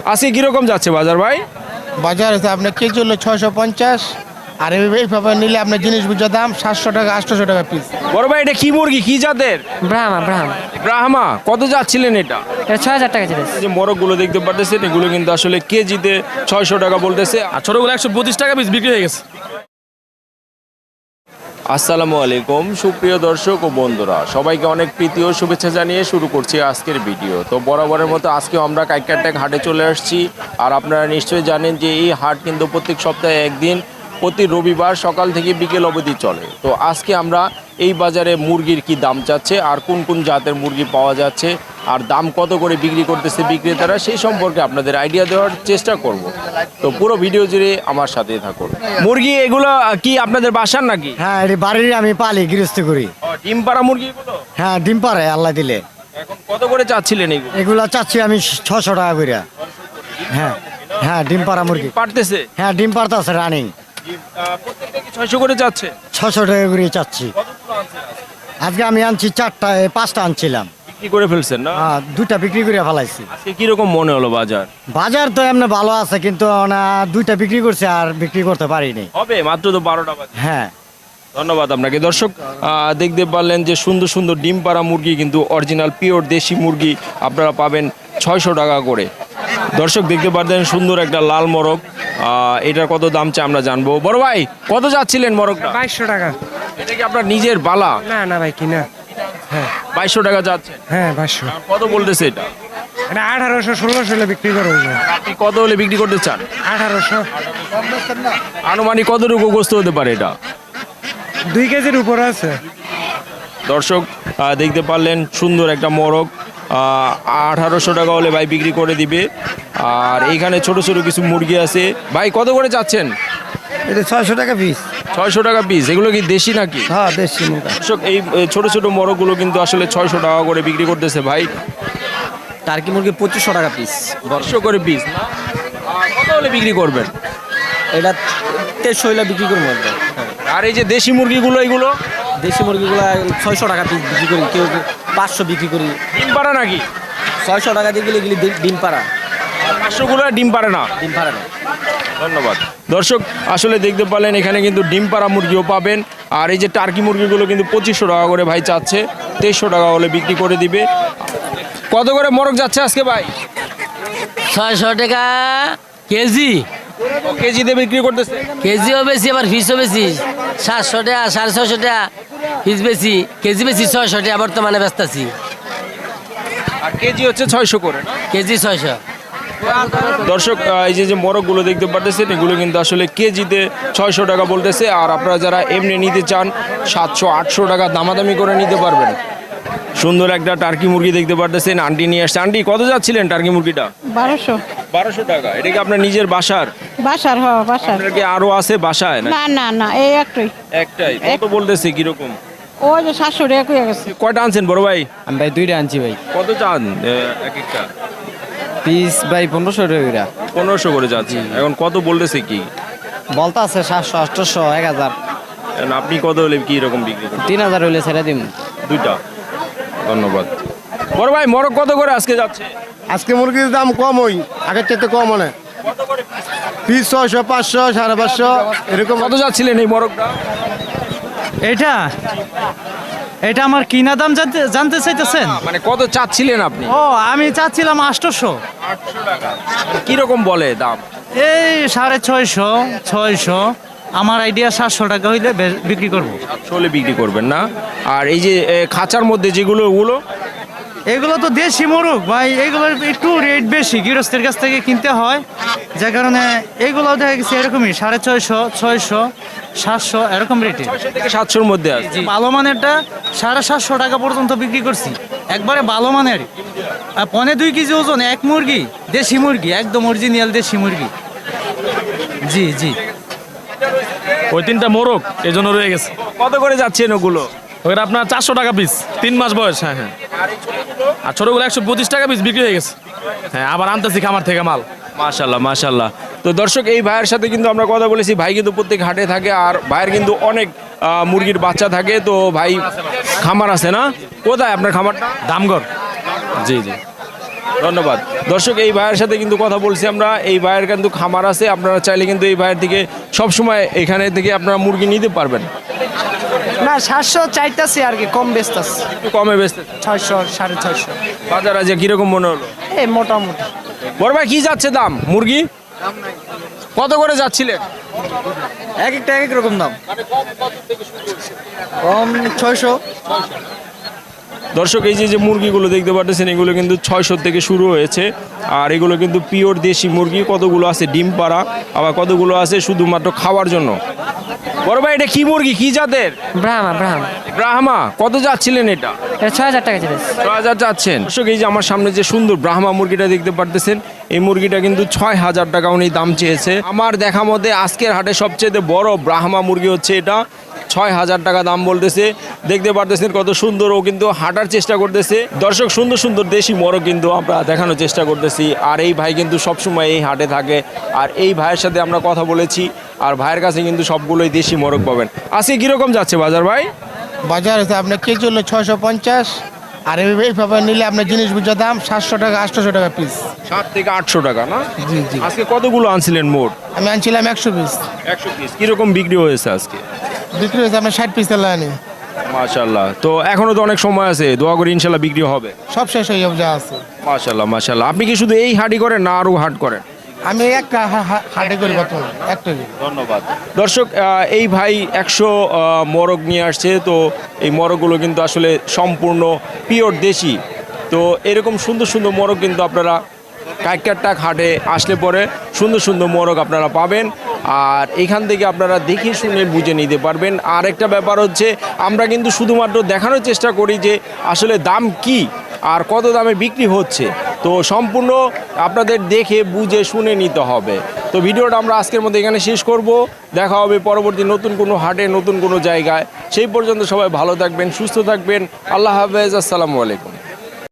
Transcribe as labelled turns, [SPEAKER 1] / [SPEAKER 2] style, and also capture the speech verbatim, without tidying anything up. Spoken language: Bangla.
[SPEAKER 1] আজকে কিরকম যাচ্ছে বাজার ভাই?
[SPEAKER 2] বাজার হচ্ছে আপনার কেজি হলো ছয়শো পঞ্চাশ, আর এইভাবে নিলে আপনার জিনিস বুঝা দাম সাতশো টাকা আটশোশো টাকা পিস।
[SPEAKER 1] বড় ভাই এটা কি মুরগি, কি জাতের?
[SPEAKER 3] ব্রাহ্মা ব্রাহ্মা
[SPEAKER 1] ব্রাহ্মা। কত যাচ্ছিলেন এটা?
[SPEAKER 3] এটা ছয় হাজার টাকা ছিল।
[SPEAKER 1] এই যে মোরগগুলো দেখতে পারতেছেন এগুলো কিন্তু আসলে কেজিতে ছয়শো টাকা বলতেছে, আর ছোটগুলো একশো পঁচিশ টাকা পিস বিক্রি হয়ে গেছে। আসসালামু আলাইকুম সুপ্রিয় দর্শক ও বন্ধুরা, সবাইকে অনেক প্রীতি ও শুভেচ্ছা জানিয়ে শুরু করছি আজকের ভিডিও। তো বরাবরের মতো আজকেও আমরা কাইকারটেক হাটে চলে আসছি। আর আপনারা নিশ্চয়ই জানেন যে এই হাট কিন্তু প্রত্যেক সপ্তাহে একদিন প্রতি রবিবার সকাল থেকে বিকেল অবধি চলে। তো আজকে আমরা এই বাজারে মুরগির কি দাম যাচ্ছে, আর কোন কোন জাতের মুরগি পাওয়া যাচ্ছে, আর দাম কত করে বিক্রি করতেছে বিক্রেতারা, সেই সম্পর্কে আপনাদের আইডিয়া দেওয়ার চেষ্টা করব। তো পুরো ভিডিও জুড়ে আমার সাথেই থাকুন। মুরগি এগুলো কি আপনাদের বাসার নাকি?
[SPEAKER 4] হ্যাঁ, এটি বাড়ির আমি পালি, গৃহস্থ করি।
[SPEAKER 1] ডিম পাড়া মুরগি এগুলো?
[SPEAKER 4] হ্যাঁ, ডিম পারে আল্লাহ দিলে।
[SPEAKER 1] এখন কত করে চাচ্ছিলেন এগুলো?
[SPEAKER 4] এগুলা চাচ্ছি আমি ছশো টাকা করে। হ্যাঁ হ্যাঁ, ডিম পাড়া মুরগি
[SPEAKER 1] পারতেছে?
[SPEAKER 4] হ্যাঁ, ডিম পাড়তে আছে রানিং।
[SPEAKER 1] প্রত্যেকটা কি ছয়শো করে যাচ্ছে?
[SPEAKER 4] ছশো টাকা করে চাচ্ছি। আজকে আমি আনছি চারটা, এ, পাঁচটা আনছিলাম।
[SPEAKER 1] বিক্রি করে ফেলছেন না?
[SPEAKER 4] হ্যাঁ, দুইটা বিক্রি করে ফেলাইছি।
[SPEAKER 1] আজকে কিরকম মনে হলো বাজার?
[SPEAKER 4] বাজার তো এমনি ভালো আছে, কিন্তু না দুইটা বিক্রি করছে আর বিক্রি করতে পারিনি।
[SPEAKER 1] হবে মাত্র তো বারোটা বাজে।
[SPEAKER 4] হ্যাঁ,
[SPEAKER 1] ধন্যবাদ আপনাকে। দর্শক আহ, দেখতে পারলেন যে সুন্দর সুন্দর ডিম পাড়া মুরগি, কিন্তু অরিজিনাল পিওর দেশি মুরগি আপনারা পাবেন ছয়শো টাকা করে। দর্শক দেখতে পারতেন সুন্দর একটা লাল মোরগ, আহ, এটার কত দাম চাই আমরা জানবো। বড় ভাই কত যাচ্ছিলেন মোরগটা?
[SPEAKER 3] বাইশশো টাকা।
[SPEAKER 1] এটা কি আপনার নিজের বালা?
[SPEAKER 3] না না ভাই কিনা। হ্যাঁ
[SPEAKER 1] বাইশশো টাকা যাচ্ছে?
[SPEAKER 3] হ্যাঁ বাইশশো।
[SPEAKER 1] কত বলতেছে এটা?
[SPEAKER 3] এটা আঠারোশো ষোলোশো হলে বিক্রি করবো।
[SPEAKER 1] আপনি কত হলে বিক্রি করতে চান?
[SPEAKER 3] আঠারোশো।
[SPEAKER 1] আনুমানিক কতটুকু গোস্ত হতে পারে এটা?
[SPEAKER 3] দুই কেজির উপরে আছে।
[SPEAKER 1] দর্শক আহ, দেখতে পারলেন সুন্দর একটা মোরগ, আঠারোশো টাকা হলে ভাই বিক্রি করে দিবে। আর এইখানে ছোট ছোট কিছু মুরগি আছে। ভাই কত করে যাচ্ছেন?
[SPEAKER 4] এটা ছয়শো টাকা পিস।
[SPEAKER 1] ছয়শো টাকা পিস। এগুলো কি দেশি নাকি?
[SPEAKER 4] হ্যাঁ, দেশি মুরগি।
[SPEAKER 1] দর্শক এই এই ছোট ছোট মোরগগুলো কিন্তু আসলে ছয়শো টাকা করে বিক্রি করতেছে ভাই।
[SPEAKER 4] টার্কি মুরগি পঁচিশশো টাকা পিস।
[SPEAKER 1] বর্ষো করে পিস না? আহ, কত হলে বিক্রি করবেন?
[SPEAKER 4] এটা তেইশশো হলে বিক্রি করবো।
[SPEAKER 1] আর এই যে দেশি মুরগিগুলো, এগুলো
[SPEAKER 4] দেশি মুরগিগুলো ছয়শো টাকা পিস বিক্রি করি, কেউ পাঁচশো বিক্রি করি।
[SPEAKER 1] ডিম পাড়া নাকি?
[SPEAKER 4] ছয়শো টাকা দিয়ে গেলে এগুলি ডিম পাড়া।
[SPEAKER 1] পাঁচশোগুলো ডিম পাড়ে না?
[SPEAKER 4] ডিম পাড়া না।
[SPEAKER 1] ধন্যবাদ। দর্শক আসলে দেখতে পারলেন এখানে কিন্তু ডিম পাড়া মুরগিও পাবেন। আর এই যে টার্কি মুরগিগুলো কিন্তু পঁচিশশো টাকা করে ভাই চাচ্ছে, তেইশশো টাকা হলে বিক্রি করে দিবে। কত করে মোরগ যাচ্ছে আজকে ভাই?
[SPEAKER 5] ছয়শো টাকা কেজি।
[SPEAKER 1] ও কেজিতে বিক্রি করতেছে?
[SPEAKER 5] কেজিও বেশি আবার ফিসও বেশি। সাতশো টাকা সাড়ে ছয়শো টাকা ফিস বেশি, কেজি বেশি ছয়শো টাকা বর্তমানে ব্যস্ত আছি।
[SPEAKER 1] আর কেজি হচ্ছে ছয়শো করে না?
[SPEAKER 5] কেজি ছয়শো।
[SPEAKER 1] দর্শক আহ, এই যে যে মোরগগুলো দেখতে পারতেছেন এগুলো কিন্তু আসলে কেজিতে ছয়শো টাকা বলতেছে। আর আপনারা যারা এমনি নিতে চান সাতশো আটশো টাকা দামাদামি করে নিতে পারবেন। সুন্দর একটা টার্কি মুরগি দেখতে পারতেছেন, আন্টি নিয়ে আসছে। আন্টি কত যাচ্ছিলেন টার্কি মুরগিটা?
[SPEAKER 6] বারোশো।
[SPEAKER 1] বারোশো টাকা। এটা কি আপনার নিজের বাসার?
[SPEAKER 6] বাসার হ বাসার।
[SPEAKER 1] আপনার কি আরো আছে বাসায় না?
[SPEAKER 6] না না না, এই একটাই।
[SPEAKER 1] একটাই? কত বলতেছে কিরকম?
[SPEAKER 6] ওই যে সাতশো টাকা কয়ে গেছে।
[SPEAKER 1] কয়টা আনছেন বড় ভাই?
[SPEAKER 4] আমি ভাই দুইটা আনছি ভাই।
[SPEAKER 1] কত চান এক একটা
[SPEAKER 4] পিস ভাই পনেরোশো টাকা।
[SPEAKER 1] পনেরোশো করে যাচ্ছে। এখন কত বলতেছে কি?
[SPEAKER 4] বলতে আছে সাতশো আটশোশো এক হাজার।
[SPEAKER 1] এখন আপনি কত হলে কি রকম বিক্রি করেন?
[SPEAKER 4] তিন হাজার হইলে ছেড়ে দিন।
[SPEAKER 1] দুইটা। ধন্যবাদ। বড় ভাই মোরগ কত করে আজকে যাচ্ছে?
[SPEAKER 2] আজকে মুরগির দাম কম, ওই আগের চাইতে কম মানে পিস ছয়শো পাঁচশো সাড়ে পাঁচশো এরকম।
[SPEAKER 1] কত যাচ্ছিলেন এই মোরগটা?
[SPEAKER 7] এটা এটা আমার কিনা দাম জানতে জানতে চাইতেছেন?
[SPEAKER 1] মানে কত চাচ্ছিলেন আপনি?
[SPEAKER 7] ও আমি চাচ্ছিলাম আটশোশো।
[SPEAKER 1] কিরকম বলে দাম?
[SPEAKER 7] এই সাড়ে ছয়শো ছয়শো। আমার আইডিয়া সাতশো টাকা হইলে বে- বিক্রি করবো।
[SPEAKER 1] চলে বিক্রি করবেন না? আর এই যে এ, খাঁচার মধ্যে যেগুলো ওগুলো?
[SPEAKER 7] এগুলো তো দেশি মোরগ ভাই, এগুলোর একটু রেট বেশি, গৃহস্থের কাছ থেকে কিনতে হয়, যার কারণে এগুলো দেখা গেছে এরকমই সাড়ে ছয়শো ছয়শো সাতশো এরকম রেটে।
[SPEAKER 1] ছয়শো থেকে সাতশোর মধ্যে আছে।
[SPEAKER 7] ভালো মানেরটা সাড়ে সাতশো টাকা পর্যন্ত বিক্রি করছি, একবারে ভালো মানের। আর পনে দুই কেজি ওজন এক মুরগি, দেশি মুরগি, একদম অরিজিনাল দেশি মুরগি। জি জি।
[SPEAKER 8] ওই তিনটা মোরগ এই জন্য রয়ে গেছে।
[SPEAKER 1] কত করে যাচ্ছেন ওগুলো?
[SPEAKER 8] ওইটা আপনার চারশো টাকা পিস, তিন মাস বয়স। হ্যাঁ হ্যাঁ। আর ছোটগুলো একশো পঁচিশ টাকা পিস বিক্রি হয়ে গেছে। হ্যাঁ, আবার আনতেছি খামার থেকে মাল।
[SPEAKER 1] মাশাল্লাহ মাশাল্লাহ। তো দর্শক এই ভাইয়ের সাথে কিন্তু আমরা কথা বলেছি। ভাই কিন্তু প্রত্যেক হাটে থাকে, আর ভাইয়ের কিন্তু অনেক আহ, মুরগির বাচ্চা থাকে। তো ভাই খামার আছে না? কোথায় আপনার খামারটা?
[SPEAKER 8] দামগড়। জি জি।
[SPEAKER 1] ধন্যবাদ। দর্শক, এই ভাইয়ের সাথে কিন্তু কথা বলছি আমরা। এই ভাইয়ের কিন্তু খামার আছে, আপনারা চাইলে কিন্তু এই ভাইয়ের থেকে সবসময় এখানে থেকে আপনারা মুরগি নিতে পারবেন।
[SPEAKER 9] না সাতশো চাইতেছি আর কি, কম বেচতেছি,
[SPEAKER 1] একটু কমে বেচতে
[SPEAKER 9] ছয়শো সাড়ে ছয়শো
[SPEAKER 1] বাজার আছে কিরকম মনে হলো?
[SPEAKER 9] এই মোটামুটি।
[SPEAKER 1] বড় ভাই কি যাচ্ছে দাম মুরগি? কত করে যাচ্ছিলেন?
[SPEAKER 9] এক একটা এক এক রকম দাম, কম ছয়শো।
[SPEAKER 1] দর্শক, এই যে যে মুরগিগুলো দেখতে পাচ্ছেন এগুলো কিন্তু ছয়শো থেকে শুরু হয়েছে। আর এগুলো কিন্তু পিওর দেশি মুরগি। কতগুলো আছে ডিম পাড়া, আবার কতগুলো আছে শুধুমাত্র খাওয়ার জন্য। বড় ভাই এটা কি মুরগি, কি জাতের?
[SPEAKER 9] ব্রাহ্মা ব্রাহ্মা
[SPEAKER 1] ব্রাহ্মা। কত যাচ্ছিলেন এটা?
[SPEAKER 9] এটা ছয় হাজার টাকা ছিল।
[SPEAKER 1] ছয় হাজার চাচ্ছেন। দর্শক, এই যে আমার সামনে যে সুন্দর ব্রাহ্মা মুরগিটা দেখতে পারতেছেন, এই মুরগিটা কিন্তু ছয় হাজার টাকা উনি দাম চেয়েছে। আমার দেখা মতে আজকের হাটে সবচেয়ে বড় ব্রাহ্মা মুরগি হচ্ছে এটা। ছয় হাজার টাকা দাম বলতেছে। দেখতে পারতেছেন কত সুন্দর, ও কিন্তু হাঁটার চেষ্টা করতেছে। দর্শক, সুন্দর সুন্দর দেশি মোরগ কিন্তু আমরা দেখানোর চেষ্টা করতেছি। আর এই ভাই কিন্তু সবসময় এই হাটে থাকে। আর এই ভাইয়ের সাথে আমরা কথা বলেছি, আর ভাইয়ের কাছে কিন্তু সবগুলোই দেশি মোরগ পাবেন। আজকে কিরকম যাচ্ছে বাজার ভাই?
[SPEAKER 2] বাজার আছে আপনার কেজি হলো ছয়শো পঞ্চাশ, আর এইভাবে নিলে আপনার জিনিস বুঝা দাম সাতশো টাকা আটশোশো টাকা পিস।
[SPEAKER 1] সাত থেকে আটশো টাকা না?
[SPEAKER 2] জি জি।
[SPEAKER 1] আজকে কতগুলো আনছিলেন মোট?
[SPEAKER 2] আমি আনছিলাম একশো পিস,
[SPEAKER 1] একশো পিস। কিরকম বিক্রি হয়েছে আজকে?
[SPEAKER 2] বিক্রি হয়েছে আপনার ষাট পিস আনি।
[SPEAKER 1] মাশাল্লাহ। তো এখনো তো অনেক সময় আছে, দোয়া করি ইনশাল্লাহ বিক্রি হবে।
[SPEAKER 2] সব শেষ হয়ে যাবে যা আছে।
[SPEAKER 1] মাশাল্লাহ মাশাল্লাহ। আপনি কি শুধু এই হাটই করেন না আরও হাট করেন?
[SPEAKER 2] আমি একটা হা- হা- হাটে করি বর্তমানে একটা।
[SPEAKER 1] ধন্যবাদ। দর্শক, আহ, এই ভাই একশো মোরগ নিয়ে আসছে। তো এই মোরগগুলো কিন্তু আসলে সম্পূর্ণ পিওর দেশি। তো এরকম সুন্দর সুন্দর মোরগ কিন্তু আপনারা কাইকারটাক হাটে আসলে পরে সুন্দর সুন্দর মোরগ আপনারা পাবেন। আর এখান থেকে আপনারা দেখে শুনে বুঝে নিতে পারবেন। আর একটা ব্যাপার হচ্ছে, আমরা কিন্তু শুধুমাত্র দেখানোর চেষ্টা করি যে আসলে দাম কি আর কত দামে বিক্রি হচ্ছে। তো সম্পূর্ণ আপনাদের দেখে বুঝে শুনে নিতে হবে। তো ভিডিওটা আমরা আজকের মধ্যে এখানে শেষ করব। দেখা হবে পরবর্তী নতুন কোনো হাটে, নতুন কোনো জায়গায়। সেই পর্যন্ত সবাই ভালো থাকবেন, সুস্থ থাকবেন। আল্লাহ হাফেজ, আসসালামু আলাইকুম।